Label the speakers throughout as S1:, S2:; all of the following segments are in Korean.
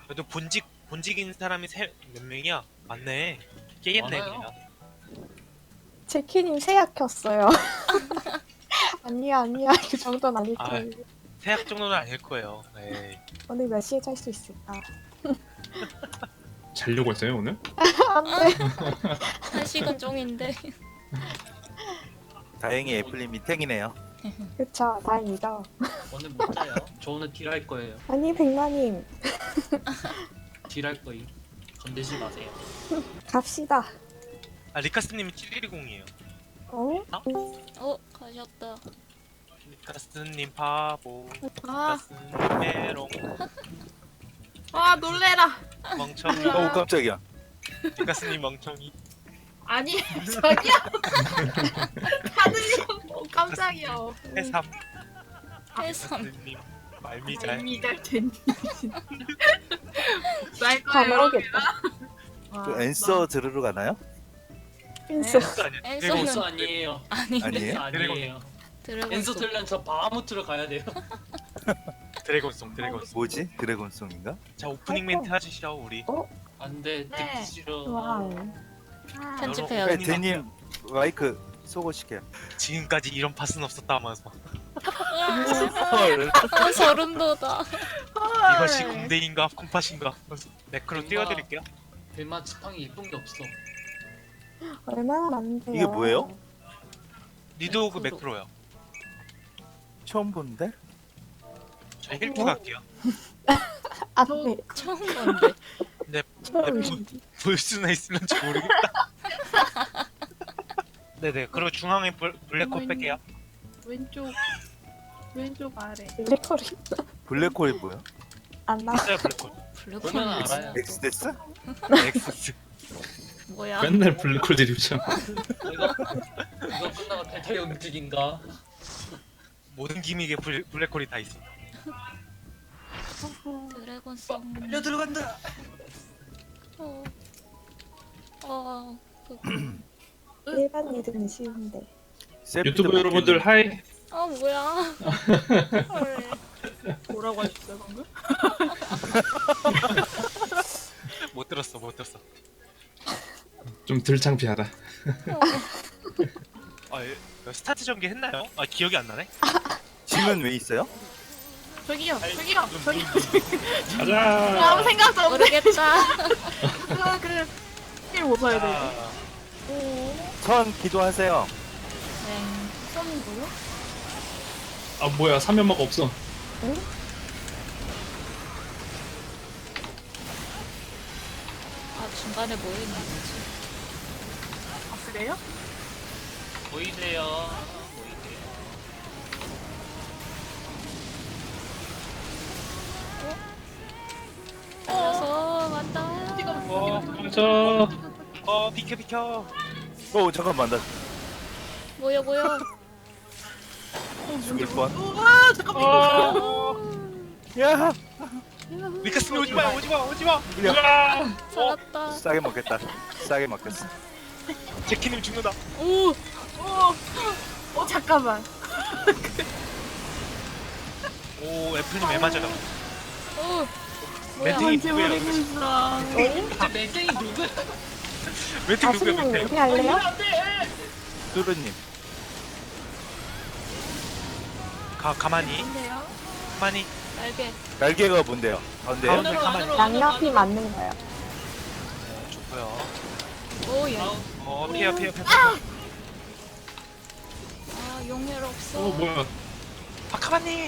S1: 그래도 본직인 사람이 몇 명이야? 맞네. 깨겠네
S2: 많아요.
S1: 그냥.
S3: 제키님 세약 켰어요. 아니야, 그 정도는 아닐
S1: 아.
S3: 거예요.
S1: 세약 정도는 아닐 거예요. 에이.
S3: 오늘 몇 시에 잘 수 있을까?
S4: 자려고 했어요 오늘?
S3: 안 돼.
S5: 1시간 종인데.
S6: 다행히 애플님이 탱이네요.
S3: 그쵸, 다행이죠.
S2: 오늘 못 자요. 저 오늘 딜할 거예요.
S3: 아니, 백마님,
S2: 딜할 거임. 건드지 마세요.
S3: 갑시다.
S1: 아 리카스님이 710이에요.
S3: 어?
S5: 가셨다.
S1: 리카스님 바보.
S7: 아,
S1: 리카스님 메롱.
S7: 아 놀래라.
S1: 멍청이.
S6: 어우 깜짝이야.
S1: 리카스님 멍청이.
S7: 아니 저기요. 하늘님 깜짝이야.
S1: 해삼.
S5: 해삼.
S1: 리카스님 말미잘.
S7: 이잘 됐니? 날
S3: 다
S7: 거예요.
S3: 모르겠다.
S6: 그 앤서 들으러 가나요?
S3: 핀스.
S1: 스 아니야.
S5: 엔서는
S2: 엔서 아니에요.
S5: 아닌데.
S6: 아니에요?
S2: 아니에요.
S5: 드래곤
S2: 엔서
S5: 속.
S2: 들려면 저 바하무트로 가야 돼요.
S1: 드래곤송.
S6: 뭐지? 드래곤송인가?
S1: 자 오프닝 멘트 해주시죠 우리.
S2: 안돼
S7: 네.
S2: 듣기 싫어.
S3: 와우.
S7: 아,
S5: 편집해요.
S6: 네, 대님 마이크 쏘고시게.
S1: 지금까지 이런 팟은 없었다면서.
S6: 헐.
S5: 아, 소름 돋아.
S7: 헐.
S1: 이것이 공대인가 콩팥인가. 매크로 띄워드릴게요.
S2: 대마 지팡이 이쁜 게 없어.
S3: 얼마나 많은데요?
S6: 이게 뭐예요?
S1: 리도그 매크로요.
S6: 처음 보는데?
S1: 저 힐투 갈게요.
S3: 안
S7: 저-
S3: 돼.
S5: 처음 본데.
S1: 근데
S3: 처음.
S1: 볼 수나 있을런지 모르겠다. 네네. 그리고 중앙에 블랙홀 뺄게요.
S7: 왼쪽 아래.
S3: 레코리
S6: 블랙홀이 뭐야?
S3: 안 나.
S1: 있어요 블랙홀.
S2: 보면
S5: 블랙홀
S2: 알아요.
S6: 엑스데스?
S1: 엑스스.
S5: 뭐야?
S4: 맨날 블랙홀 드립죠.
S2: 이거 끝나고 대타영직인가?
S1: 모든 기믹에 블랙홀이 다 있어.
S5: 드래곤 송.
S2: 려 들어간다.
S5: 어. 어.
S3: 일반 리듬이 쉬운데.
S4: 유튜브 여러분들 하이.
S5: 뭐야? 헐.
S7: 뭐라고 하셨어요 방금?
S1: 못 들었어.
S4: 좀 덜 창피하다.
S1: 스타트 전개 했나요? 기억이 안 나네.
S6: 짐은 왜 있어요?
S7: 저기요.
S4: 가자.
S7: 아무 생각도 없네.
S5: 모르겠다.
S7: 그길못 봐야 돼.
S1: 아,
S6: 선 기도하세요.
S5: 네.
S7: 선이고요?
S4: 아 뭐야 사면막 없어.
S5: 중간에 뭐 있는 거지?
S7: 아 그래요?
S2: 보이세요?
S5: 알아서 왔다.
S4: 저
S1: 비켜.
S6: 잠깐만 나
S5: 뭐야?
S6: 죽을 뻔.
S7: 우와 잠깐만.
S6: 야!
S1: 리카스님 오지마.
S5: 살았다.
S6: 싸게 먹겠다. 싸게 먹겠어.
S1: 제키님 죽는다.
S7: 잠깐만.
S1: 오 애플님 왜 맞아요?
S5: 뭐야?
S1: 멘팅이
S7: 언제
S1: 누구예요?
S7: 모르겠어.
S2: 근데 멘탱이 누구야?
S1: 멘팅 누구야
S3: 아시는
S1: 멘팅?
S3: 얘기 할래요?
S6: 뚜루님
S1: 가만히.
S7: 근데요?
S5: 날개.
S6: 날개가 뭔데요? 가운데요?
S1: 가운데 가만히.
S3: 양옆이 맞는 거예요.
S1: 좋고요.
S5: 오, 야.
S1: 피해.
S5: 용혈 없어.
S4: 뭐야.
S1: 가만히.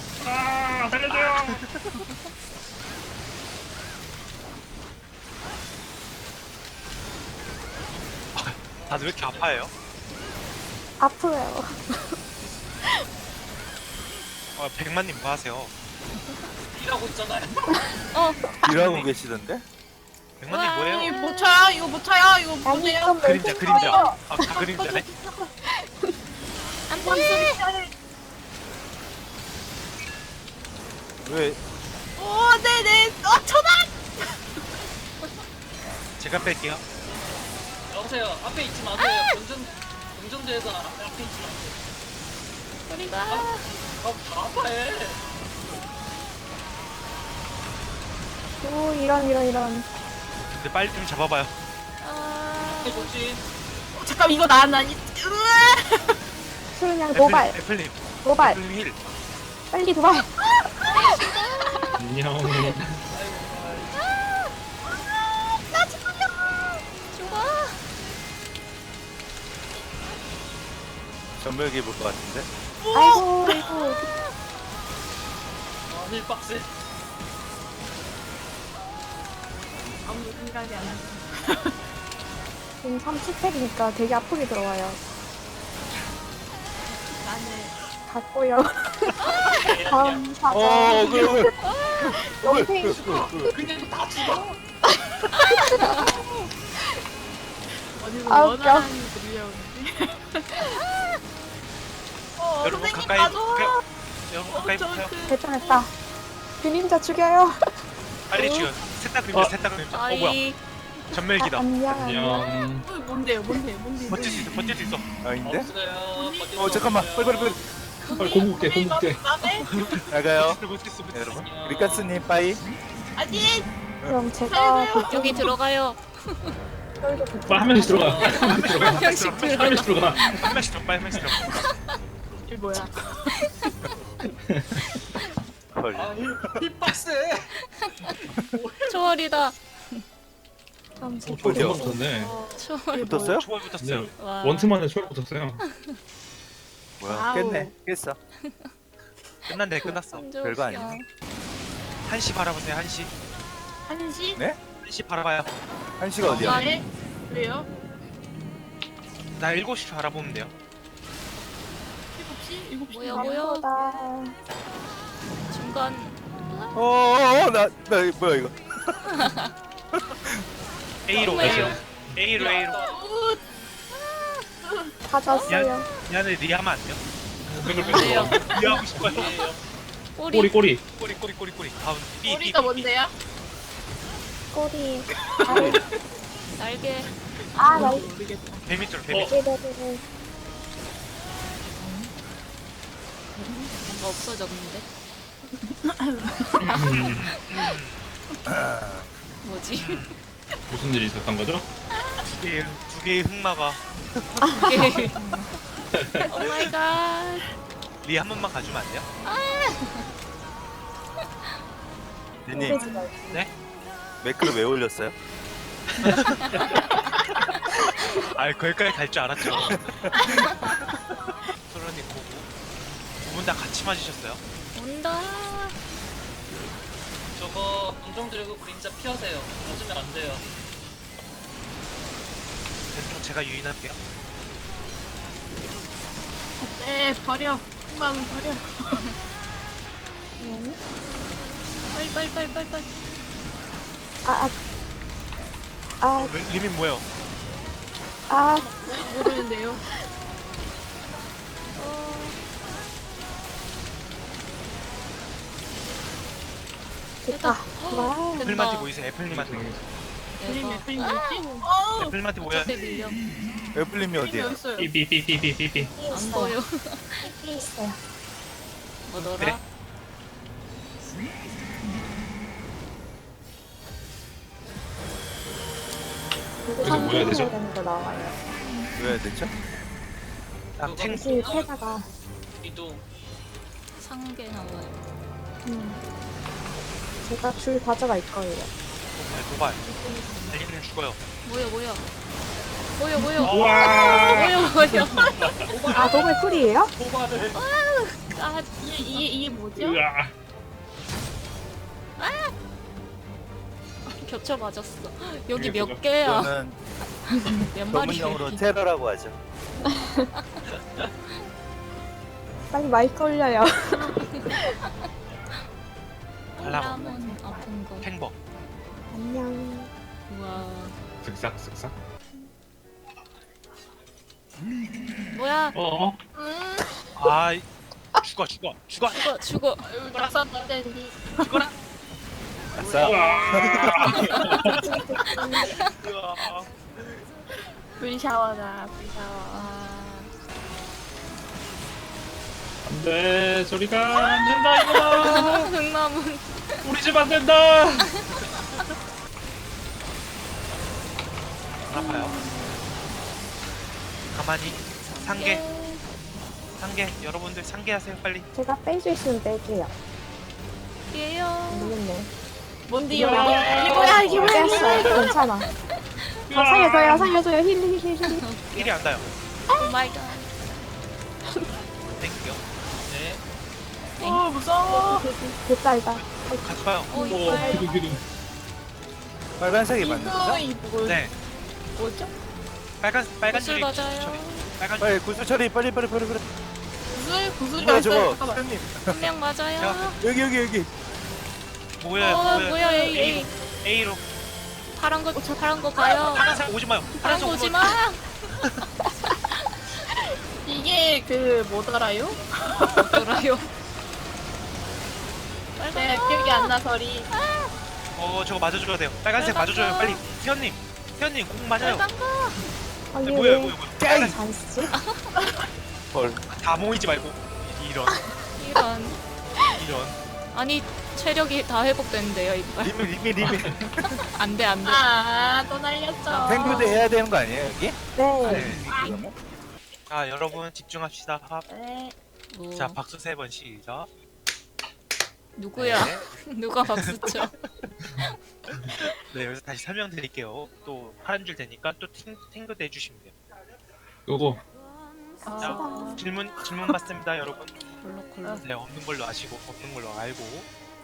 S1: 다들 왜 이렇게 아파해요?
S3: 아프요.
S1: 백만님 뭐 하세요?
S2: 일하고 있잖아요.
S6: 일하고 계시던데?
S1: 백만님 뭐예요?
S7: 이거 못 쳐요? 이거 못 쳐요? 이거
S3: 아니,
S7: 못해요?
S3: 이건
S1: 그림자.
S3: 멘트예요.
S1: 다 그림자네.
S5: 안 돼.
S6: 왜
S7: 네네. 천원.
S1: 제가 뺄게요.
S2: 여보세요. 앞에 있지 마세요. 운전대에서 앞에 있지 마세요.
S5: 우리가
S2: 다 아파해.
S3: 오, 이런.
S1: 근데 빨리 좀 잡아봐요.
S5: 아,
S2: 뭐지?
S7: 잠깐 이거 나니.
S3: 수은양 도발.
S1: 애플님
S3: 도발.
S1: 힐.
S3: 빨리 도발.
S4: 안녕.
S5: 죽어.
S6: 전멸기 볼 것 같은데.
S3: 아이고.
S2: 힐 빡세.
S7: 아무도 생각이 안 나.
S3: 지금 30팩이니까 되게 아프게 들어와요.
S7: 나는
S3: 갔고요. 다음 사자.
S6: 그래.
S3: 영생.
S2: 그냥 다 죽어.
S7: 어디서
S3: 아,
S7: 원하는 들려오는데.
S1: 여러분
S7: 선생님
S1: 가까이
S7: 가져.
S1: 여러분 가까이 붙어요.
S3: 됐다. 그림자 죽여요.
S1: 빨리 죽여. 셋다 그림자. 뭐야?
S5: 아이.
S1: 전멸기다.
S3: 안녕.
S4: 안녕.
S7: 뭔데요?
S1: 버틸 수 있어.
S6: 아닌데?
S2: 없어요.
S6: 잠깐만. 빨리.
S4: 빨리 공국대.
S7: 맘에?
S6: 나가요.
S1: 못했어.
S6: 여러분. 리카스님 빠이.
S7: 아니.
S3: 그럼 제가
S5: 여기 들어가요.
S3: 그쪽으로 붙여.
S4: 빨리 한 명씩 들어가.
S5: 한 명씩
S4: 한
S5: 들어가.
S4: 명씩 들어가.
S1: 한 명씩 더 빨리 한 명씩 더.
S7: 이게 뭐야?
S6: 헐.
S2: 힐 빡세.
S5: 초월이다.
S3: 그럼 제가
S4: 초월
S6: 어디요?
S4: 붙었네.
S5: 초월.
S6: 붙었어요?
S1: 초월 붙었어요.
S4: 네.
S5: 와.
S4: 원트만에 초월 붙었어요.
S6: 뭐야?
S7: 와우.
S6: 깼어.
S1: 끝났네. 끝났어.
S5: 완전
S6: 별거
S5: 웃겨.
S6: 아니네.
S1: 1시 바라보세요. 1시.
S7: 한시?
S6: 네?
S1: 1시 바라봐요.
S6: 한시가 어디야?
S7: 네? 왜요?
S1: 나 7시 바라보면 돼요.
S7: 7시? 7시?
S5: 뭐야?
S3: 아무거나.
S5: 중간.
S6: 나 뭐야 이거?
S1: A로
S5: 정말요?
S1: A로.
S3: 가졌어요.
S1: 미안해. 리하면 안 돼요?
S5: 뭐예요?
S1: 리하고 싶어요.
S5: 꼬리.
S4: 꼬리.
S1: 꼬리. 다음 B.
S7: 꼬리가 뭔데요?
S3: 꼬리.
S5: 날개.
S3: 아, 나
S7: 모르겠다.
S1: 뱀이죠.
S3: 이래도
S5: 뭔가 없어졌는데. 뭐지?
S4: 무슨 일이 있었던 거죠?
S1: 두 개의 흑마가
S5: 이게. 오 마이 갓.
S1: 리 한 번만 가주면 안 돼요?
S6: 니님
S1: 네?
S6: 매크로 왜 올렸어요?
S1: 아, 거기까지 갈 줄 알았죠. 소련님 보고 두 분 다 같이 맞으셨어요?
S5: 온다.
S2: 저거 공정 들고 그림자 피하세요. 맞으면 안 돼요.
S1: 대충 제가 유인할게요.
S7: 네, 버려. 마음 버려.
S5: 빨리.
S1: 리민 뭐예요?
S7: 모르는데요.
S3: 됐다. 와.
S1: 애플님한테 모이세요. 애플님한테.
S7: 그림이
S5: 대박.
S7: 그림 뭐지?
S1: 애플님한테 모여.
S5: 어차피 밀려.
S6: 애플님이
S7: 그림이
S6: 어디야?
S7: 어딨어요?
S4: 삐삐삐삐삐삐.
S5: 안 보여.
S3: 삐 있어요.
S5: 뭐더라?
S1: 그래.
S3: 그리고
S4: 여기서 뭐 해야 되죠?
S3: 되는 거 나와요.
S6: 왜 해야 되죠?
S1: 아, 탱.
S3: 다시 패다가
S2: 이동.
S5: 상계 나와요.
S3: 제가 줄 가져갈 거예요.
S1: 도발. 달리기는 죽어요.
S5: 뭐야?
S4: 우와.
S5: 뭐야?
S3: 아, 노블 쿨이에요?
S2: 도발을.
S5: 아,
S7: 이게 뭐죠?
S4: 으아.
S5: 겹쳐 맞았어. 여기
S4: 이게
S5: 몇
S4: 뭐가?
S5: 개야?
S6: 저는
S5: 몇 마리야?
S6: 전문용어로 테러라고 하죠.
S3: 빨리 마이크 올려요.
S1: 발라먹.
S5: 콜라몬 아픈 거.
S1: 탱버.
S3: 안녕.
S5: 우와.
S4: 쓱싹쓱싹.
S5: 뭐야?
S4: 어.
S1: 아, 죽어.
S5: 죽어.
S7: 낙선된디.
S6: 아싸.
S7: 불샤워다. 불샤워.
S5: 아,
S4: 안돼. 소리가 안 된다 이거다.
S5: 흑나무.
S4: 우리 집 안 된다.
S1: 가만히. 상계.
S5: 예.
S1: 상계. 여러분들 상계하세요 빨리.
S3: 제가 뺄 수 있으면 뺄게요.
S5: 예요.
S3: 모르겠네.
S7: 뭔데요? 이게 뭐야 이게 뭐야?
S3: 뺐어요. 괜찮아. 살려줘요. 힐.
S1: 일이 안 닿아요.
S5: 오 마이 갓.
S1: 땡겨.
S2: 네.
S7: 어 무서워.
S3: 됐다.
S1: 같이 봐요.
S5: 오
S4: 오
S5: 이빨.
S4: 기둥.
S6: 빨간색이 맞는다.
S7: 이거
S1: 네.
S7: 뭐죠?
S1: 빨간
S5: 구슬
S1: 줄이
S5: 맞아요.
S1: 빨간 줄.
S6: 빨리 구슬 처리 빨리.
S7: 구슬이
S6: 뭐야
S7: 왔어요.
S6: 저거?
S7: 잠깐만.
S6: 사장님
S5: 한 명 맞아요.
S6: 여기.
S1: 뭐야
S5: 뭐야 A.
S1: A로.
S5: 파란 거 봐요.
S1: 파란색 오지 마요.
S5: 파란 거 오지 마.
S7: 이게 그 뭐더라요?
S5: 돌아요.
S7: 네
S5: 빨간
S7: 기억이 안 나서리.
S1: 저거 맞아줘야 돼요. 빨간색
S5: 빨간
S1: 맞아줘요
S5: 거.
S1: 빨리. 태연님 꼭 맞아요.
S5: 빨간 거.
S3: 아니
S1: 뭐야.
S3: 왜 잔쓰?
S6: 헐.
S1: 다 모이지 말고. 이런.
S5: 이런. 아니 체력이 다 회복됐는데요 이빨.
S6: 리미.
S5: 안돼.
S7: 아또 날렸죠.
S6: 탱크도 해야 되는 거 아니에요 여기?
S3: 네.
S6: 그러면?
S1: 여러분 집중합시다.
S7: 네.
S5: 뭐,
S1: 자 박수 3번 시작.
S5: 누구야?
S1: 네.
S5: 누가 박수 쳐?
S1: 네 여기서 다시 설명드릴게요. 또 파란 줄 되니까 또 탱크도 해주시면 돼요.
S4: 요거
S7: 아,
S1: 질문 받습니다 여러분.
S5: 콜록콜록.
S1: 네 없는 걸로 아시고 없는 걸로 알고.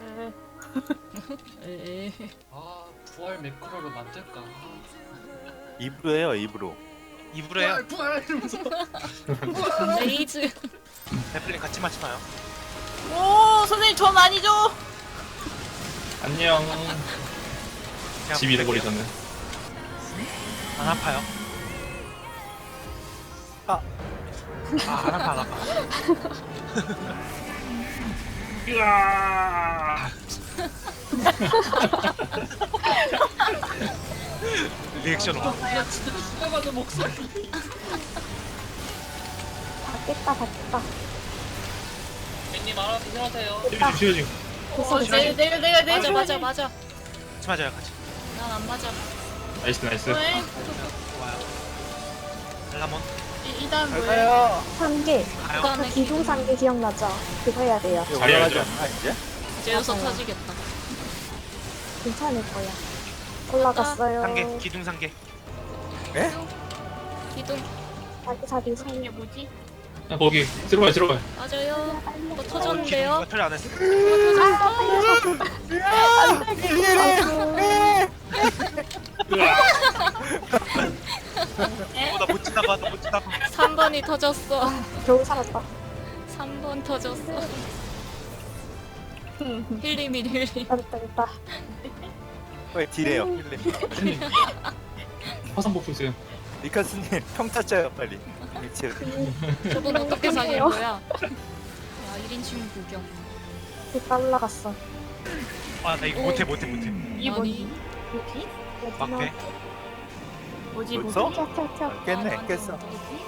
S7: 네.
S5: 에에.
S2: 아 부활 매크로를 만들까?
S6: 입으로 해요 입으로.
S1: 입으로 해요.
S2: 부활 이러면서.
S5: 레이즈.
S1: 애플린 같이 맞지 마요.
S7: 오 선생님 전 아니죠?
S4: 안녕.
S1: 그냥
S4: 집 잃어버리셨네.
S1: 안 아파요. 안 아파.
S4: 으아.
S1: 리액션 와.
S2: 야 진짜 죽어가는 목소리.
S3: 다
S2: 님 알아서 일하세요.
S4: 쉬어지.
S7: 내가
S5: 맞아.
S1: 같이 맞아요 같이.
S5: 난 안 맞아.
S4: 나이스.
S7: 왜?
S1: 좋아요. 알라몬
S7: 이 다음 뭐예요?
S6: 가요.
S3: 3개.
S1: 가요.
S5: 그다음에
S3: 기둥 3개 기억나죠? 그거 해야 돼요.
S4: 잘해야죠.
S6: 올라가지 않나, 이제?
S5: 제우서
S3: 맞아요.
S5: 터지겠다.
S3: 괜찮을 거야. 올라갔어요.
S1: 상계 기둥 상계.
S5: 기둥
S3: 자기
S7: 이게
S3: 손.
S7: 뭐지?
S4: 야, 거기 들어가요.
S5: 맞아요. 뭐
S1: 기둥
S5: 터졌는데요?
S1: 누가 처리 안 했어. 나못 지나가.
S5: 3번이 터졌어.
S3: 겨우 살았다.
S5: 3번 터졌어. 힐링.
S3: 됐다.
S6: 왜 딜해요 힐님.
S4: 화상 복수 있어요.
S6: 리카스님 평타 짜요 빨리. 미치.
S5: 저분 어떻게 사신 거야? 야 1인칭 구경.
S3: 됐다 올라갔어.
S1: 나 이거 못해.
S7: 이게
S5: 아니.
S7: 뭐지?
S1: 막대.
S7: 뭐지?
S6: 벌써?
S3: 튀어.
S6: 깼네 깼어.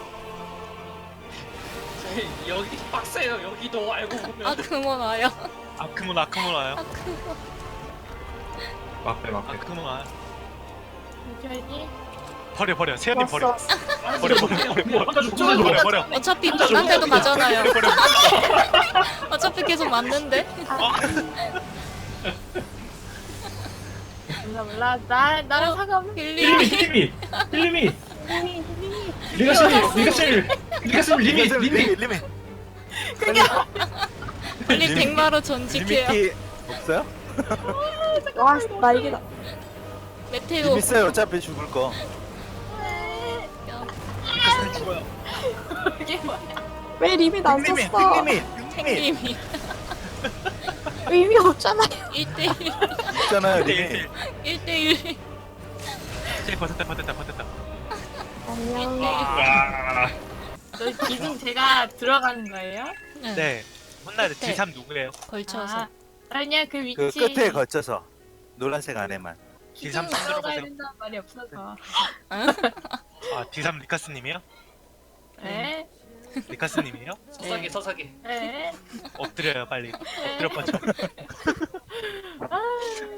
S2: 여기 빡세요. 여기도 알고 보면.
S5: 아크몬 와요.
S1: 아크몬 와요.
S4: 막대.
S1: 아크몬 와요.
S7: 뭐지?
S1: 버려. 세연님 버려.
S3: 왔어.
S1: 버려.
S5: 어차피 나한테도 가잖아요. 어차피 계속 맞는데.
S7: 몰라. 나랑 상관없는.
S5: 힐링.
S4: 힐림이. 리가실. 리미.
S5: 빨리 백마로 전직해요.
S6: 리미티 없어요?
S3: 와, 나 이기다.
S5: 메테오.
S6: 림 있어요 어차피 죽을 거.
S1: 리카스는 죽어요.
S7: 이게 뭐야?
S3: 왜 리밋 안 썼어?
S5: 탱님이
S3: 의미 없잖아요.
S5: 1대1.
S6: 있잖아요 리미.
S5: 1대1.
S1: 버텼다.
S3: 안녕.
S4: 와.
S7: 저 기둥 제가 들어가는 거예요?
S1: 네. 혼나야 돼.
S5: 끝에.
S1: D3 누구예요?
S5: 걸쳐서.
S7: 아니야 그 위치.
S6: 그 끝에 거쳐서 노란색 안에만.
S7: 기둥
S1: D3
S7: 들어가야
S1: 들어보세요.
S7: 된다는 말이 없어서.
S1: D3 리카스님이요?
S7: 네.
S1: 리카스님이에요?
S2: 서사기.
S7: 네.
S1: 엎드려요 빨리. 엎드려 뻗쳐.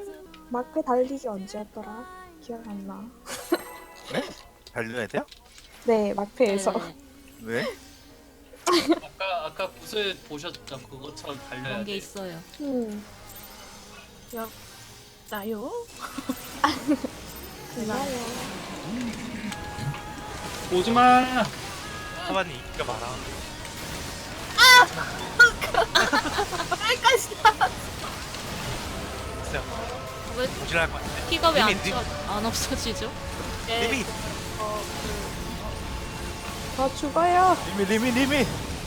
S3: 마크 달리기 언제였더라? 기억 안 나.
S6: 달려야 돼요?
S3: 네, 마크에서.
S5: 네네.
S6: 왜?
S2: 아까 구슬 보셨죠? 그것처럼
S5: 그런
S2: 달려야
S5: 게
S2: 돼.
S5: 있어요.
S7: 나요?
S3: 좋아요.
S4: 오지마.
S1: 사반이 인기가 많아. 진짜
S5: 왜
S1: 모질할 것 같은데.
S5: 피가 왜
S1: 리밋,
S5: 안 없어지죠?
S7: 네.
S1: 리밋.
S3: 저 죽어요.
S6: 리밋.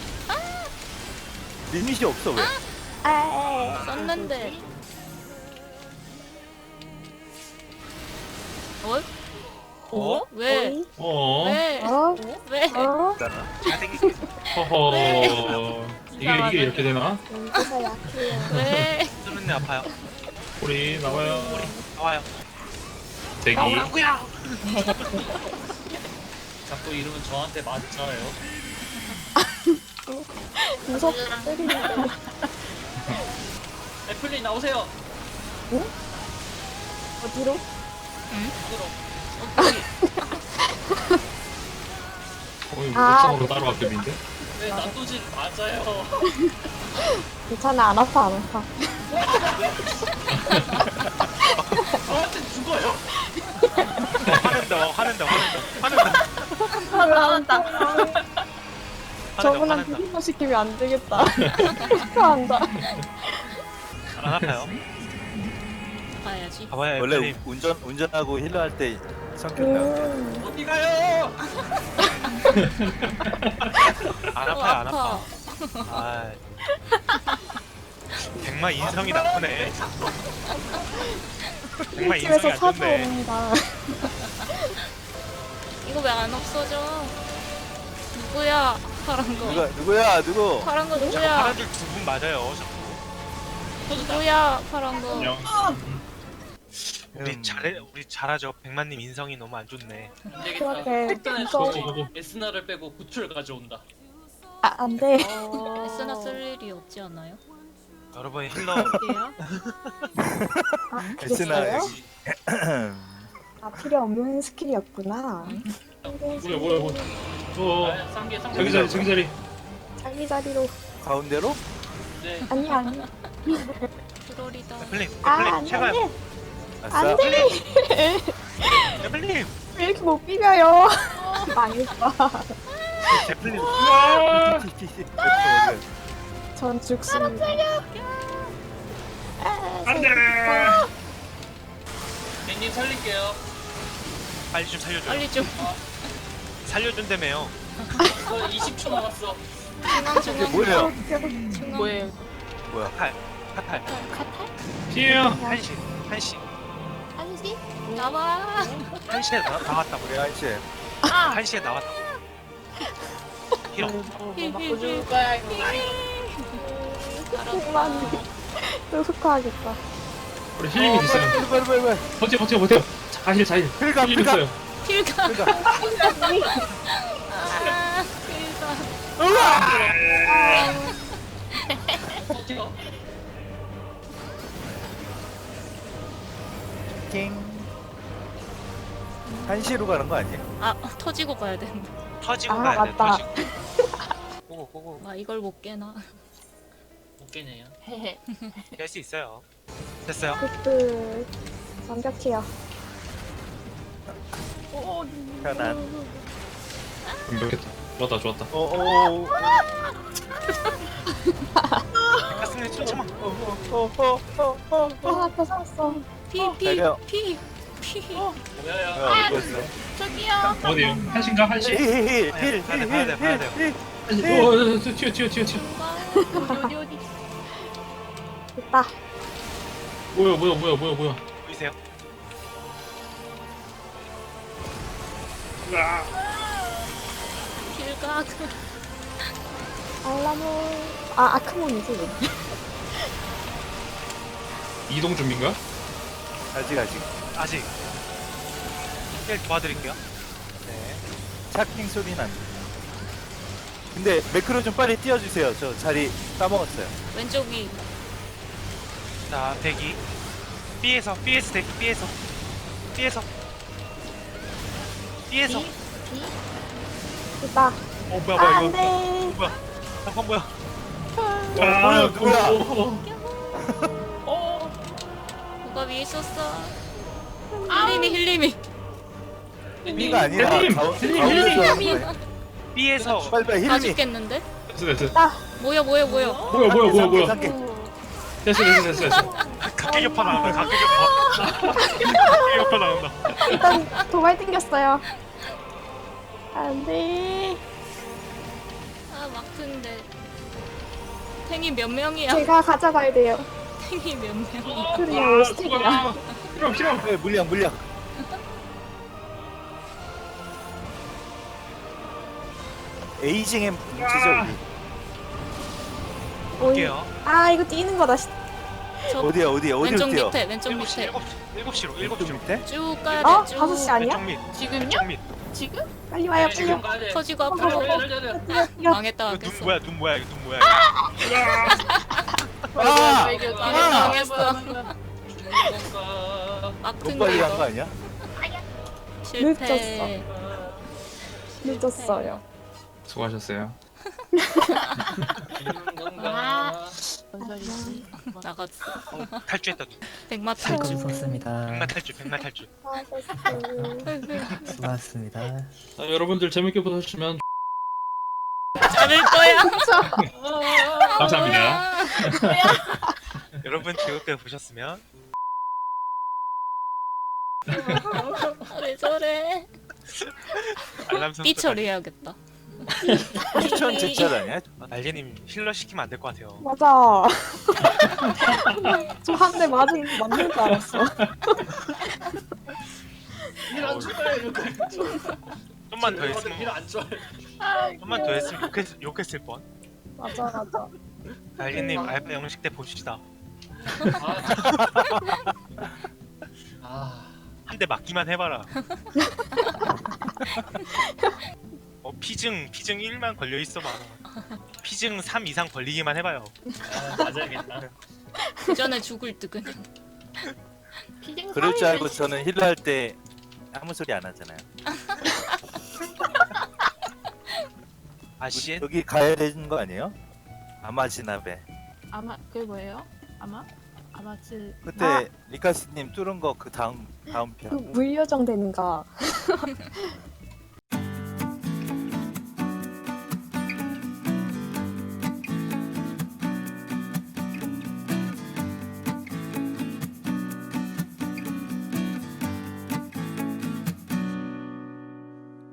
S6: 리밋이 없어 왜?
S3: 아,
S5: 썼는데. 어?
S1: 어?
S5: 왜?
S3: 어이?
S5: 왜?
S3: 어?
S5: 왜?
S3: 어?
S1: 잘생기게.
S4: 허허. 이게 이렇게 되나?
S3: 연기가 약해요.
S5: 왜?
S1: 쓰는데 아파요.
S4: 우리 나와요.
S1: 나와요.
S4: 대기.
S1: 나오라고요.
S2: 자꾸 이러면 저한테 맞아요.
S3: 무섭게 때리는데.
S2: 애플린 나오세요.
S3: 어디로?
S4: 옥상으로 따라갔겠는데?
S2: 왜 난도질 맞아요?
S3: 괜찮아, 안 아파, 안 아파.
S2: 저한테 죽어요.
S1: 화낸다.
S3: 저분한테 힐러시키면 안 되겠다. 축하한다.
S1: 안 아파요.
S5: 봐야지.
S1: 봐봐요.
S6: 원래
S1: 애플님.
S6: 운전하고 힐러 할 때 성격 나온다.
S2: 어디 가요?
S1: 안 아파요. 안 아파. 아. 백마 인성이 나쁘네. 백마 인성이
S3: 집에서
S1: 안 좋네.
S3: 찾아옵니다.
S5: 이거 왜 안 없어져? 누구야? 파란 거.
S6: 누구?
S5: 파란 거
S1: 자꾸
S5: 누구야?
S1: 파란 줄 두 분 맞아요. 자꾸.
S5: 누구야? 파란 거.
S4: 안녕.
S1: 우리 잘하죠. 백마님 인성이 너무 안 좋네.
S2: 안 되겠다.
S3: 그렇게
S2: 일단은
S3: 무서워.
S2: 에스나를 빼고 구출 가져온다.
S3: 아, 안 돼.
S5: 에스나 쓸 일이 없지 않나요?
S1: 여러분 힐러
S7: 어때요?
S3: 아,
S6: 에스나
S3: 그랬어요?
S6: 여기.
S3: 아, 필요 없는 스킬이었구나.
S4: 뭐야.
S2: 아, 쌍계.
S4: 저기 자리.
S3: 자기 자리로.
S6: 가운데로?
S2: 네.
S3: 아니.
S5: 트롤이다.
S1: 애플님
S3: 아,
S1: 애플님
S3: 안
S1: 제발
S3: 돼.
S6: 아싸.
S3: 안 돼.
S1: 애플님
S3: 왜 이렇게 못 비벼요? 망했다.
S1: 애플님
S3: 전 죽습니다.
S4: 안돼.
S2: 님 살릴게요.
S1: 빨리 좀 살려줘.
S5: 빨리 좀.
S1: 살려준다며요.
S2: 저 20초 남았어.
S6: 이게 뭐예요?
S7: 뭐예요?
S6: 뭐야?
S1: 카탈
S4: 피해요.
S1: 한시
S5: 한시? 나와.
S1: 한시에 나왔다고.
S6: 우리 한시.
S1: 한시에 나왔다고. 힐러.
S7: 맞고 죽을 거야 이거.
S3: 그만. 또 속화하겠다.
S4: 우리 힐링이 있어요.
S6: 빨리.
S4: 버텨. 자힐.
S6: 필가.
S4: 힐 줬어요.
S5: 필가. 아, 필가.
S2: 어디가?
S6: 킹. 한시로 가는 거 아니에요?
S5: 아, 터지고 가야 된다.
S1: 터지고
S3: 아,
S1: 가야 돼.
S3: 맞다.
S1: 터지고. 고고.
S5: 아, 이걸 못 깨나.
S2: 못 깨네요.
S7: 헤헤.
S1: 깰 수 있어요. 됐어요.
S3: 굿. 완벽해요.
S6: 편안.
S4: 완벽했다. 좋았다.
S1: 가슴에 쫓아만.
S3: 아, 앞에 섰어.
S6: 자기야.
S5: 피.
S2: 뭐야야?
S6: 이거였어.
S7: 저기요.
S4: 어디요? 한신가? 한신?
S6: 힐.
S1: 봐야 돼요.
S4: 한신. 튀어.
S7: 어디.
S3: 됐다.
S4: 뭐야.
S1: 보이세요?
S5: 필가.
S3: 알라모. 아, 아크몬이지.
S4: 이동 준비인가?
S6: 아직.
S1: 힐 도와드릴게요. 네.
S6: 차킹 소리 난다. 근데 매크로 좀 빨리 띄워주세요. 저 자리 까먹었어요.
S5: 왼쪽 위.
S1: 자, 대기. B에서 대기. B에서.
S7: 비?
S3: 됐다.
S1: 뭐야
S3: 아,
S1: 뭐야
S3: 안
S1: 이거
S3: 돼.
S1: 뭐야 잠깐 뭐야
S4: 아,
S6: 누구야?
S5: 누가 위에 있었어? 힐림이.
S6: 힐리가 아니라
S4: 힐림!
S6: 가운데서
S4: 힐림!
S6: 하는 거야.
S1: B에서
S6: 빨리
S5: 다
S6: 힐리.
S5: 죽겠는데?
S4: 됐어.
S5: 뭐야.
S4: 뭐야. 됐어.
S1: 각계격파 나온다 각계격파 나온다
S3: 일단 도발 땡겼어요. 안 돼.
S5: 아 막트인데. 탱이 몇 명이야?
S3: 제가 가져가야 돼요.
S5: 탱이 몇 명이야?
S3: 그래요, 스틱이야.
S4: 필요.
S6: 네, 물량. 에이징 엠 뭉치죠 우리.
S1: 볼게요
S3: 아, 이거 뛰는 거다.
S5: 저
S6: 어디야 어디로
S5: 왼쪽
S6: 뛰어?
S5: 밑에 왼쪽
S1: 7시
S5: 밑에
S1: 7시로
S6: 왼쪽
S1: 7시로
S6: 밑에?
S5: 쭉 가야
S3: 어?
S5: 돼. 쭉
S3: 5시 아니야?
S1: 왼쪽 밑
S7: 지금요?
S1: 왼쪽 밑
S7: 지금?
S3: 빨리 와요,
S2: 네,
S3: 빨리
S2: 지금
S3: 와요.
S2: 가야 돼.
S5: 터지고
S2: 빨리,
S5: 앞으로
S2: 빨리, 빨리, 빨리.
S3: 뛰어, 뛰어.
S5: 망했다
S1: 이거 눈
S5: 망했어.
S1: 뭐야 눈 뭐야 이거 눈 뭐야
S6: 아!
S5: 망했어.
S2: 뭔가
S6: 너무
S5: 막트인데
S6: 빨리 간 거
S5: 이거
S6: 아니야?
S5: 실패.
S3: 늦었어요.
S4: 수고하셨어요.
S2: 뭔가
S7: 뭔 소리지?
S5: 나갔어.
S1: 탈주했다
S5: 백마
S8: 탈주
S5: 탈주.
S8: 썼습니다.
S1: 백마 탈주
S8: 수고하셨습니다.
S4: 자, 여러분들 재밌게 보셨으면
S5: 자를 거야.
S4: 감사합니다.
S1: 여러분 즐겁게 보셨으면
S5: 왜 저래?
S1: 알람 설정
S5: 삐처리해야겠다.
S6: 추천 제철 아니야?
S1: 날개님 힐러 시키면 안 될 것 같아요
S3: 맞아. 저 한 대 맞은 맞는 줄 알았어.
S2: 일안 좋아요 이렇게.
S1: 좀만 더 했으면
S2: 일안 좋아요.
S1: 좀만 더 했으면 욕했을 뻔
S3: 맞아.
S1: 날개님 알바 영식 때 봅시다
S2: 아.
S1: 한 대 맞기만 해봐라 피증 1만 걸려있어봐 피증 3 이상 걸리기만 해봐요
S2: 맞아야겠다.
S5: 그 전에 죽을 듯 그냥.
S6: 그럴 줄 알고 저는 힐러 할 때 아무 소리 안 하잖아요.
S1: 아씨
S6: 여기 가야 되는 거 아니에요? 아마지나베.
S7: 아마 그게 뭐예요? 아마츠
S6: 그때 리카스님 뚫은 거 그 다음
S3: 그
S6: 편.
S3: 물려정 되는가.